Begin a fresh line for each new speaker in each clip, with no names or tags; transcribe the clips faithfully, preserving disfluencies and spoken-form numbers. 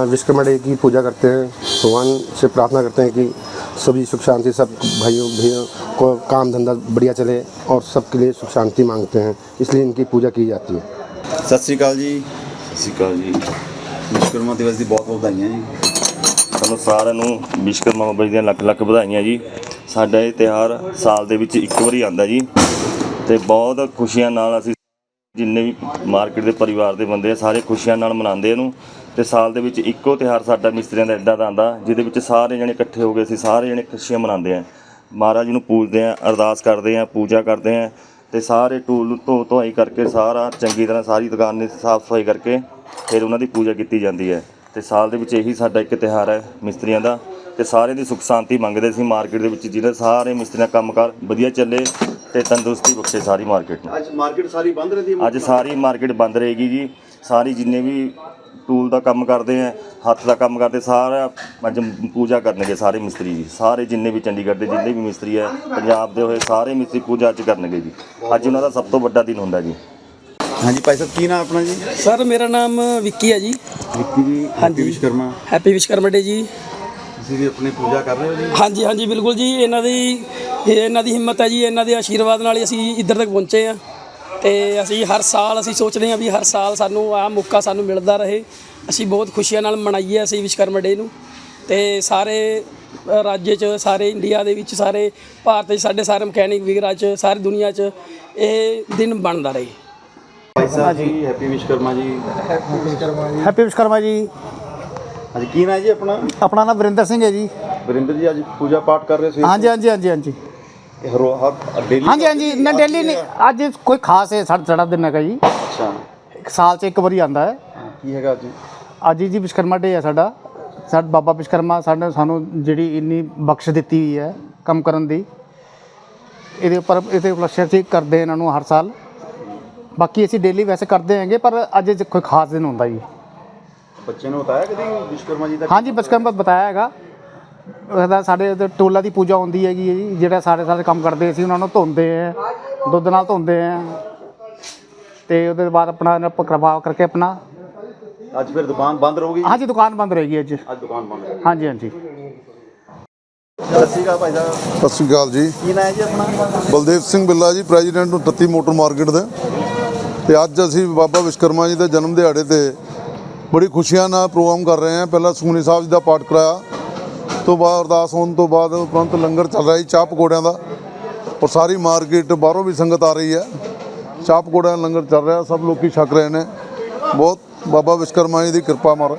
Vishwakarma day की पूजा करते हैं, भगवान से प्रार्थना करते हैं कि सभी सुख शांति, सब भाइयों भैया को काम धंधा बढ़िया चले और सबके लिए सुख शांति मांगते हैं, इसलिए इनकी पूजा की जाती है।
सत श्री अकाल जी। सत श्री अकाल जी। विश्वकर्मा दिवस की बहुत बहुत बधाइयाँ जी।
ਸਾਨੂੰ ਸਾਰਿਆਂ ਨੂੰ ਵਿਸ਼ਵਕਰਮਾ ਬਾਬਾ ਜੀ ਦੀਆਂ ਲੱਖ ਲੱਖ ਵਧਾਈਆਂ ਜੀ। ਸਾਡਾ ਇਹ ਤਿਉਹਾਰ ਸਾਲ ਦੇ ਵਿੱਚ ਇੱਕ ਵਾਰੀ ਆਉਂਦਾ ਜੀ ਤੇ ਬਹੁਤ ਖੁਸ਼ੀਆਂ ਨਾਲ ਅਸੀਂ ਜਿੰਨੇ ਵੀ ਮਾਰਕੀਟ ਦੇ ਪਰਿਵਾਰ ਦੇ ਬੰਦੇ ਆ ਸਾਰੇ ਖੁਸ਼ੀਆਂ ਨਾਲ ਮਨਾਉਂਦੇ ਇਹਨੂੰ। ਤੇ ਸਾਲ ਦੇ ਵਿੱਚ ਇੱਕੋ ਤਿਉਹਾਰ ਸਾਡਾ ਮਿਸਤਰੀਆਂ ਦਾ ਇੱਦਾਂ ਦਾ ਆਉਂਦਾ ਜਿਹਦੇ ਵਿੱਚ ਸਾਰੇ ਜਣੇ ਇਕੱਠੇ ਹੋ ਕੇ ਅਸੀਂ ਸਾਰੇ ਜਣੇ ਖੁਸ਼ੀਆਂ ਮਨਾਉਂਦੇ ਆ, ਮਹਾਰਾਜ ਨੂੰ ਪੂਜਦੇ ਆ, ਅਰਦਾਸ ਕਰਦੇ ਆ, ਪੂਜਾ ਕਰਦੇ ਆ ਤੇ ਸਾਰੇ ਟੂਲ ਧੋ ਧੋਈ ਕਰਕੇ ਸਾਰਾ ਚੰਗੀ ਤਰ੍ਹਾਂ ਸਾਰੀ ਦੁਕਾਨ ਦੀ ਸਾਫ਼ ਸਫਾਈ ਕਰਕੇ ਫਿਰ ਉਹਨਾਂ ਦੀ ਪੂਜਾ ਕੀਤੀ ਜਾਂਦੀ ਹੈ। ਤੇ ਸਾਲ ਦੇ ਵਿੱਚ ਇਹੀ ਸਾਡਾ ਇੱਕ ਤਿਉਹਾਰ ਹੈ ਮਿਸਤਰੀਆਂ ਦਾ ਤੇ ਸਾਰਿਆਂ ਦੀ ਸੁੱਖ ਸ਼ਾਂਤੀ ਮੰਗਦੇ ਸੀ ਮਾਰਕੀਟ ਦੇ ਵਿੱਚ, ਜਿਹਦੇ ਸਾਰੇ ਮਿਸਤਰੀਆਂ ਕੰਮਕਾਰ ਵਧੀਆ ਚੱਲੇ ਤੇ ਤੰਦਰੁਸਤੀ ਬਖਸ਼ੇ ਸਾਰੀ ਮਾਰਕੀਟ ਨੂੰ।
ਅੱਜ ਮਾਰਕੀਟ ਸਾਰੀ ਬੰਦ ਰਹੀ ਹੈ?
ਅੱਜ ਸਾਰੀ ਮਾਰਕੀਟ ਬੰਦ ਰਹੇਗੀ ਜੀ। ਸਾਰੀ ਜਿੰਨੇ ਵੀ ਟੂਲ ਦਾ ਕੰਮ ਕਰਦੇ ਆ, ਹੱਥ ਦਾ ਕੰਮ ਕਰਦੇ, ਸਾਰਾ ਅੱਜ ਪੂਜਾ ਕਰਨਗੇ ਸਾਰੇ ਮਿਸਤਰੀ ਜੀ। ਸਾਰੇ ਜਿੰਨੇ ਵੀ ਚੰਡੀਗੜ੍ਹ ਦੇ ਜਿੰਨੇ ਵੀ ਮਿਸਤਰੀ ਹੈ ਪੰਜਾਬ ਦੇ ਹੋਏ ਸਾਰੇ ਮਿਸਤਰੀ ਪੂਜਾ ਅੱਜ ਕਰਨਗੇ ਜੀ। ਅੱਜ ਉਹਨਾਂ ਦਾ ਸਭ ਤੋਂ ਵੱਡਾ ਦਿਨ ਹੁੰਦਾ ਜੀ।
हाँ जी भाई साहब, की नाम अपना जी?
सर मेरा नाम विक्की है जी।
विक्की जी,
हाँ
जी विश्वकर्मा।
Happy Vishwakarma day ji.
ਤੁਸੀਂ ਵੀ ਆਪਣੀ ਪੂਜਾ ਕਰ ਰਹੇ ਹੋ ਜੀ?
हाँ जी हाँ जी बिल्कुल जी। ਇਹਨਾਂ ਦੀ ਇਹਨਾਂ ਦੀ ਹਿੰਮਤ ਹੈ ਜੀ, ਇਹਨਾਂ ਦੇ ਆਸ਼ੀਰਵਾਦ ਨਾਲ ਹੀ ਅਸੀਂ ਇੱਧਰ ਤੱਕ ਪਹੁੰਚੇ ਆ ਤੇ ਅਸੀਂ ਹਰ ਸਾਲ ਅਸੀਂ ਸੋਚਦੇ ਹਾਂ ਵੀ ਹਰ ਸਾਲ ਸਾਨੂੰ ਆਹ ਮੌਕਾ ਸਾਨੂੰ ਮਿਲਦਾ ਰਹੇ, ਅਸੀਂ ਬਹੁਤ ਖੁਸ਼ੀਆਂ ਨਾਲ ਮਨਾਈਏ ਅਸੀਂ ਵਿਸ਼ਵਕਰਮਾ ਡੇ ਨੂੰ। ਤੇ ਸਾਰੇ ਰਾਜ 'ਚ, ਸਾਰੇ ਇੰਡੀਆ ਦੇ ਵਿੱਚ, ਸਾਰੇ ਭਾਰਤ 'ਚ, ਸਾਡੇ ਸਾਰੇ ਮਕੈਨਿਕ ਵੀਰਾਂ 'ਚ, ਸਾਰੀ ਦੁਨੀਆ 'ਚ ਇਹ ਦਿਨ ਬਣਦਾ ਰਹੇ।
ਭਾਈ ਸਾਹਿਬ ਜੀ, ਹੈਪੀ ਵਿਸ਼ਵਕਰਮਾ ਜੀ।
हैप्पी विश्वकर्मा जी।
ਅੱਜ ਕੀ ਨਾਮ ਜੀ ਆਪਣਾ?
अपना नाम वरिंदर सिंह है जी।
ਵਰਿੰਦਰ ਜੀ, ਅੱਜ ਪੂਜਾ ਪਾਠ ਕਰ ਰਹੇ ਸੀ?
हाँ जी हाँ जी हाँ जी हाँ जी
ਇਹ ਰੋ ਹਰ ਡੇਲੀ?
हाँ जी हाँ जी ना डेली नहीं, अज कोई खास है साढ़ा साढ़ा दिन है जी।
ਅੱਛਾ,
एक साल से एक बारी आंदा है।
ਕੀ ਹੈਗਾ ਅੱਜ?
ਅੱਜ ਜੀ ਵਿਸ਼ਵਕਰਮਾ ਡੇ ਹੈ ਸਾਡਾ। ਸਾਡਾ ਬਾਬਾ ਵਿਸ਼ਵਕਰਮਾ ਸਾਡੇ ਸਾਨੂੰ ਜਿਹੜੀ ਇੰਨੀ ਬਖਸ਼ ਦਿੱਤੀ ਹੋਈ ਹੈ ਕੰਮ ਕਰਨ ਦੀ, ਇਹਦੇ ਉੱਪਰ ਇਹਦੇ ਉਪਲਕਸ਼ ਅਸੀਂ ਕਰਦੇ ਇਹਨਾਂ ਨੂੰ ਹਰ ਸਾਲ। ਬਾਕੀ ਅਸੀਂ ਡੇਲੀ ਵੈਸੇ ਕਰਦੇ ਹੈਗੇ, ਪਰ ਅੱਜ ਕੋਈ ਖਾਸ ਦਿਨ ਹੁੰਦਾ ਜੀ।
ਬੱਚੇ ਨੂੰ ਬਤਾਇਆ ਕਦੀ ਵਿਸ਼ਵਕਰਮਾ ਜੀ ਦਾ?
ਹਾਂਜੀ ਵਿਸ਼ਵਕਰਮਾ ਬਤਾਇਆ ਹੈਗਾ। ਉਹਦਾ ਸਾਡੇ ਉੱਤੇ ਟੋਲਾ ਦੀ ਪੂਜਾ ਹੁੰਦੀ ਹੈਗੀ ਹੈ ਜੀ, ਜਿਹੜਾ ਸਾਰੇ ਸਾਰੇ ਕੰਮ ਕਰਦੇ ਅਸੀਂ ਉਹਨਾਂ ਨੂੰ ਧੋਂਦੇ ਹੈ, ਦੁੱਧ ਨਾਲ ਧੋਂਦੇ ਹੈ ਤੇ ਉਹਦੇ ਬਾਅਦ ਆਪਣਾ ਪ੍ਰਭਾਵ ਕਰਕੇ ਆਪਣਾ।
ਅੱਜ ਫਿਰ ਦੁਕਾਨ ਬੰਦ ਰਹੂਗੀ?
ਹਾਂਜੀ ਦੁਕਾਨ ਬੰਦ ਰਹੇਗੀ ਅੱਜ।
ਅੱਜ ਦੁਕਾਨ ਬੰਦ ਹੈ?
ਹਾਂਜੀ ਹਾਂਜੀ।
ਸਤਿ ਸ਼੍ਰੀ ਅਕਾਲ ਭਾਈ ਸਾਹਿਬ।
ਸਤਿ ਸ਼੍ਰੀ ਅਕਾਲ ਜੀ।
ਕੀ ਨਾਮ ਹੈ ਜੀ ਆਪਣਾ?
ਬਲਦੇਵ ਸਿੰਘ ਬਿੱਲਾ ਜੀ, ਪ੍ਰੈਜ਼ੀਡੈਂਟ ਅਠੱਤੀ ਮੋਟਰ ਮਾਰਕੀਟ ਦੇ। ਤੇ ਅੱਜ ਅਸੀਂ ਬਾਬਾ ਵਿਸ਼ਵਕਰਮਾ ਜੀ ਦੇ ਜਨਮ ਦਿਹਾੜੇ ਤੇ ਬੜੀ ਖੁਸ਼ੀਆਂ ਨਾਲ ਪ੍ਰੋਗਰਾਮ ਕਰ ਰਹੇ ਹਾਂ। ਪਹਿਲਾਂ ਸੁਖਮਨੀ ਸਾਹਿਬ ਜੀ ਦਾ ਪਾਠ ਕਰਾਇਆ, ਤੋਂ ਬਾਅਦ ਅਰਦਾਸ ਹੋਣ ਤੋਂ ਬਾਅਦ ਉਪਰੰਤ ਲੰਗਰ ਚੱਲ ਰਿਹਾ ਜੀ ਚਾਹ ਪਕੌੜਿਆਂ ਦਾ, ਔਰ ਸਾਰੀ ਮਾਰਕੀਟ ਬਾਹਰੋਂ ਵੀ ਸੰਗਤ ਆ ਰਹੀ ਹੈ। ਚਾਹ ਪਕੌੜਿਆਂ ਦਾ ਲੰਗਰ ਚੱਲ ਰਿਹਾ, ਸਭ ਲੋਕੀ ਛਕ ਰਹੇ ਨੇ। ਬਹੁਤ ਬਾਬਾ ਵਿਸ਼ਵਕਰਮਾ ਜੀ ਦੀ ਕਿਰਪਾ ਮਾਰ।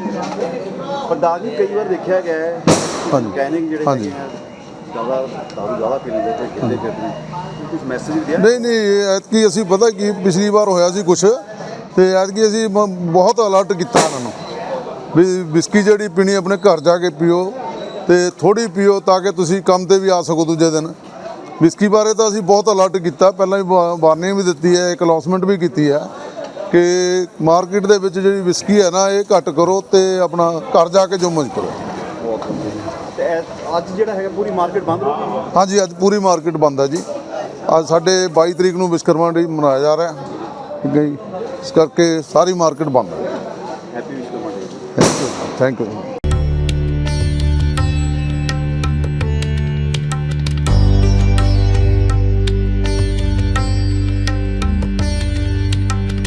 ਪ੍ਰਦਾਸ ਜੀ, ਕਈ ਵਾਰ ਦੇਖਿਆ ਗਿਆ ਹੈ
ਹਾਂਜੀ
ਮਕੈਨਿਕ ਜਿਹੜੇ
ਹਾਂਜੀ
ਜ਼ਿਆਦਾ ਦਾਰੂ ਜ਼ਿਆਦਾ ਪੀਂਦੇ ਤੇ ਕਿੰਦੇ ਫਿਰਦੇ, ਕੁਝ ਮੈਸੇਜ ਵੀ ਦਿਆ?
ਨਹੀਂ ਨਹੀਂ, ਐਤਕੀ ਅਸੀਂ ਪਤਾ ਕੀ ਪਿਛਲੀ ਵਾਰ ਹੋਇਆ ਸੀ ਕੁਛ, ਤੇ ਐਤਕੀ ਅਸੀਂ ਬ- ਬਹੁਤ ਅਲਰਟ ਕੀਤਾ ਇਹਨਾਂ ਨੂੰ ਵੀ ਵਿਸਕੀ ਜਿਹੜੀ ਪੀਣੀ ਆਪਣੇ ਘਰ ਜਾ ਕੇ ਪੀਓ ਤੇ ਥੋੜ੍ਹੀ ਪੀਓ ਤਾਂ ਕਿ ਤੁਸੀਂ ਕੰਮ ਤੇ ਵੀ ਆ ਸਕੋ ਦੂਜੇ ਦਿਨ। ਵਿਸਕੀ ਬਾਰੇ ਤਾਂ ਅਸੀਂ ਬਹੁਤ ਅਲਰਟ ਕੀਤਾ, ਪਹਿਲਾਂ ਹੀ ਵਾਰਨਿੰਗ ਵੀ ਦਿੱਤੀ ਹੈ, ਇੱਕ ਅਨਾਉਂਸਮੈਂਟ ਵੀ ਕੀਤੀ ਹੈ ਕਿ ਮਾਰਕੀਟ ਦੇ ਵਿੱਚ ਜਿਹੜੀ ਵਿਸਕੀ ਹੈ ਨਾ ਇਹ ਘੱਟ ਕਰੋ ਤੇ ਆਪਣਾ ਘਰ ਜਾ ਕੇ ਜੋ ਮੌਜ ਕਰੋ।
ਤੇ ਇਹ ਅੱਜ ਜਿਹੜਾ ਹੈਗਾ ਪੂਰੀ ਮਾਰਕੀਟ ਬੰਦ ਰਹੂਗੀ?
ਹਾਂਜੀ ਅੱਜ ਪੂਰੀ ਮਾਰਕੀਟ ਬੰਦ ਹੈ ਜੀ। ਅੱਜ ਸਾਡੇ ਬਾਈ ਤਰੀਕ ਨੂੰ ਵਿਸ਼ਵਕਰਮਾ ਡੇ ਮਨਾਇਆ ਜਾ ਰਿਹਾ, ਠੀਕ ਹੈ ਜੀ, ਇਸ ਕਰਕੇ ਸਾਰੀ ਮਾਰਕੀਟ ਬੰਦ ਹੈ।
Happy Vishwakarma day.
Thank you.